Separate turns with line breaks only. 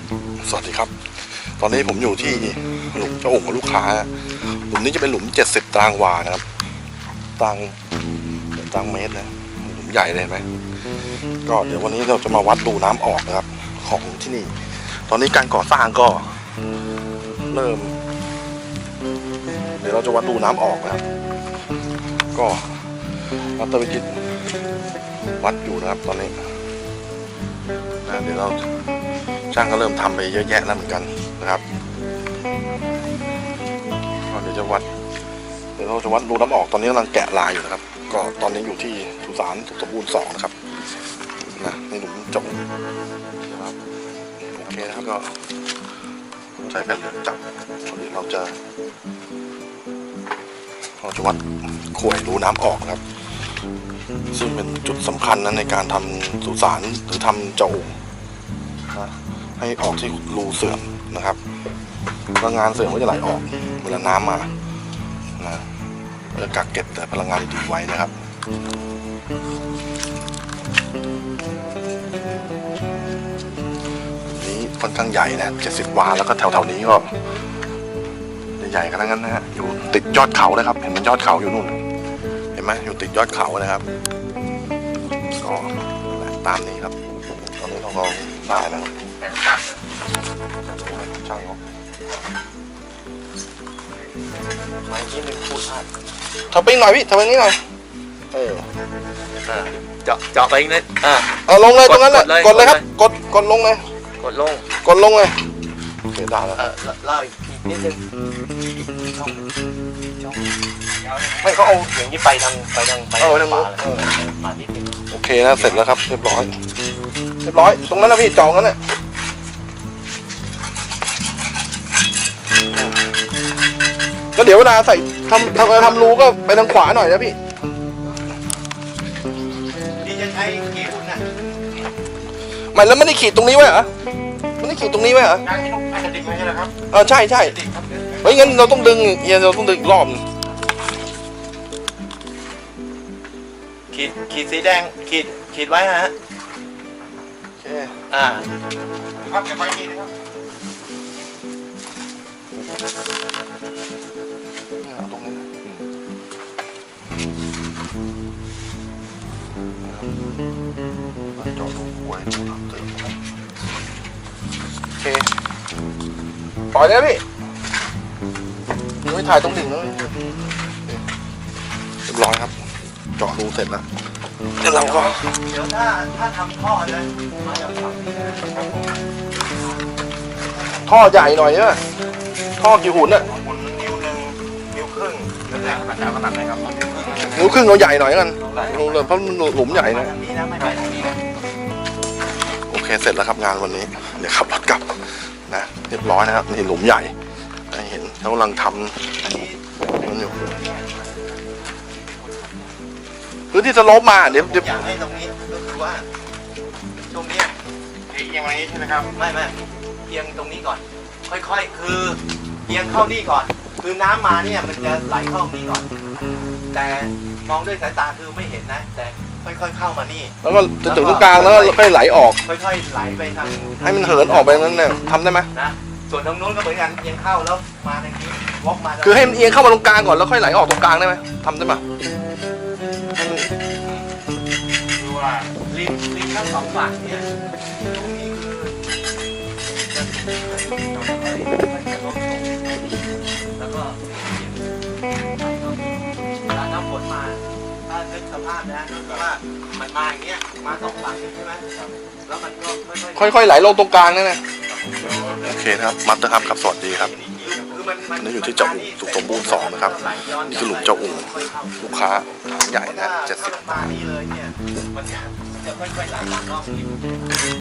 สวัสดีครับตอนนี้ผมอยู่ที่หลุมเจ้าโอ่งของลูกค้าหลุมนี้จะเป็นหลุม70 ตารางวานะครับตารางเมตรนะหลุมใหญ่เลยไหมก็เดี๋ยววันนี้เราจะมาวัดรูน้ำออกนะครับของที่นี่ตอนนี้การก่อสร้างก็เริ่มเดี๋ยวเราจะวัดรูน้ำออกนะครับก็วัดตะวิจิตวัดอยู่นะครับตอนนี้เดี๋ยวเราช่างก็เริ่มทำไปเยอะแยะแล้วเหมือนกันนะครับเดี๋ยวเราจะวัดรูน้ำออกตอนนี้กำลังแกะลายอยู่นะครับก็ตอนนี้อยู่ที่สุสานสุขสมบูรณ์2นะครับนะในหลุมจบนะครับโอเคนะครับก็ใช้แผ่นจับตอนนี้เราจะวัดข่วยรูน้ำออกนะครับซึ่งเป็นจุดสำคัญนะในการทำสุสานหรือทำเจ้าโอ่งนะให้ออกที่รูเสื่อมนะครับพลังงานเสื่อมก็จะไหลออกเวลาน้ำมานะจะกักเก็บแต่พลังงานดีไว้นะครับนี้ค่อนข้างใหญ่นะ70 วาแล้วก็แถวๆนี้ก็ใหญ่ๆกันทั้งนั้นนะฮะอยู่ติดยอดเขานะครับเห็นมันยอดเขาอยู่นู่นเห็นไหมอยู่ติดยอดเขานะครับก็ตามนี้ครับตอนนี้เราก็ได้แล้วช่างเขาไม้ที่เป็นพูดพลาดทำไปหน่อยพี่ทำไปนี้หน่อย
เจาะไปอีกนิด
เอาลงเลยตรงนั้นแหละกดเลยครับกดลงเลย
กดลง
เลยเสียดายแล้ว
เล่าอีกนิดนึง
ไม่เขาเอา
อย่างนี้ไปทางป่าเลยมานิดนึง
โอเคนะเสร็จแล้วครับเรียบร้อยตรงนั้นนะพี่จองนั้นแหละก็เดี๋ยวเวลาใส่ทำรูก็ไปทางขวาหน่อยนะพี่
จะใช้กี่หุ่นน่ะ
ไม่แล้วไม่ได้ขีดตรงนี้ไว้เหรอไม่ได้ขีดตรงนี้ไว้เหรอ
การที่ต้องอาจจะดึงไว้ใช่ไหมครับ
ใช่เฮ้ยงั้นเราต้องดึงเราต้องดึงอีกรอบ
ขีดสีแดงขีดไว้ฮะ
โอเค
ครับเก็บไว้นี่นะครับ
ตรงนี้จอดดูหวยดูทำเติมโอเคปล่อยเลยพี่ไม่ถ่ายตรงดิ่งเลยเรียบร้อยครับเจาะรูเสร็จแล้วเดี๋ยวเราก็
เดี๋ยวถ้าทำท่อเลยมาจากฝั่งนี้นะครับ
ท่อใหญ่หน่อยเนี่ยท่อกี่หุ่นน่ะ
หุ่นนิ้ว1 นิ้วครึ่งแล้วแต่ขนาดไหนครับ
นิ้วครึ่งเราใหญ่หน่อยกันรูเลยเพราะหลุมใหญ่นะโอเคเสร็จแล้วครับงานวันนี้เดี๋ยวขับรถกลับนะเรียบร้อยนะครับนี่หลุมใหญ่เห็นเขากำลังทำมันอยู่พื้นที่สโลปมาเดี๋ยว
อยากให้ตรงนี้ก็คือว่าตรงนี้เอียงมานี้ใช่ไหมครับไม่เอียงตรงนี้ก่อนค่อยๆคือเอียงเข้านี่ก่อนคือน้ำมาเนี่ยมันจะไหลเข้านี่ก่อนแต่มองด้วยสายตาคือไม่เห็นนะแต่ค่อยๆเข้ามานี่
แล้วก็จะถึงตรงกลางแล้วค่อยไหลออก
ค่อยๆไหลไปทาง
ให้มันเหินออกไปนั้นเนี่ยทำได้ไหม
นะส่วนทางโน้นก็เหมือนกันเอียงเข้าแล้วมาทางนี้วอกมา
คือให้มันเอียงเข้ามาตรงกลางก่อนแล้วค่อยไหลออกตรงกลางได้ไหมทำได้ไหม
คือว่าริมทั้งสองฝั่งเนี่ยตรงนี้คือแล้วก็เวลาน้ำฝนมาถ้านึกสภาพนะคือว่ามันมาอย่างเงี้ยมาสองฝั่งใช่ไหมแล้วมันก็
ค่อยๆไหลลงตรงกลางนั่นแหละโอเคนะครับมัดนะครับครับสวัสดีครับนี่อยู่ที่เจ้าอู่สุขสมบูรณ์2นะครับนี่คือหลุมเจ้าอู่ลูกค้าใหญ่นะ70 บาท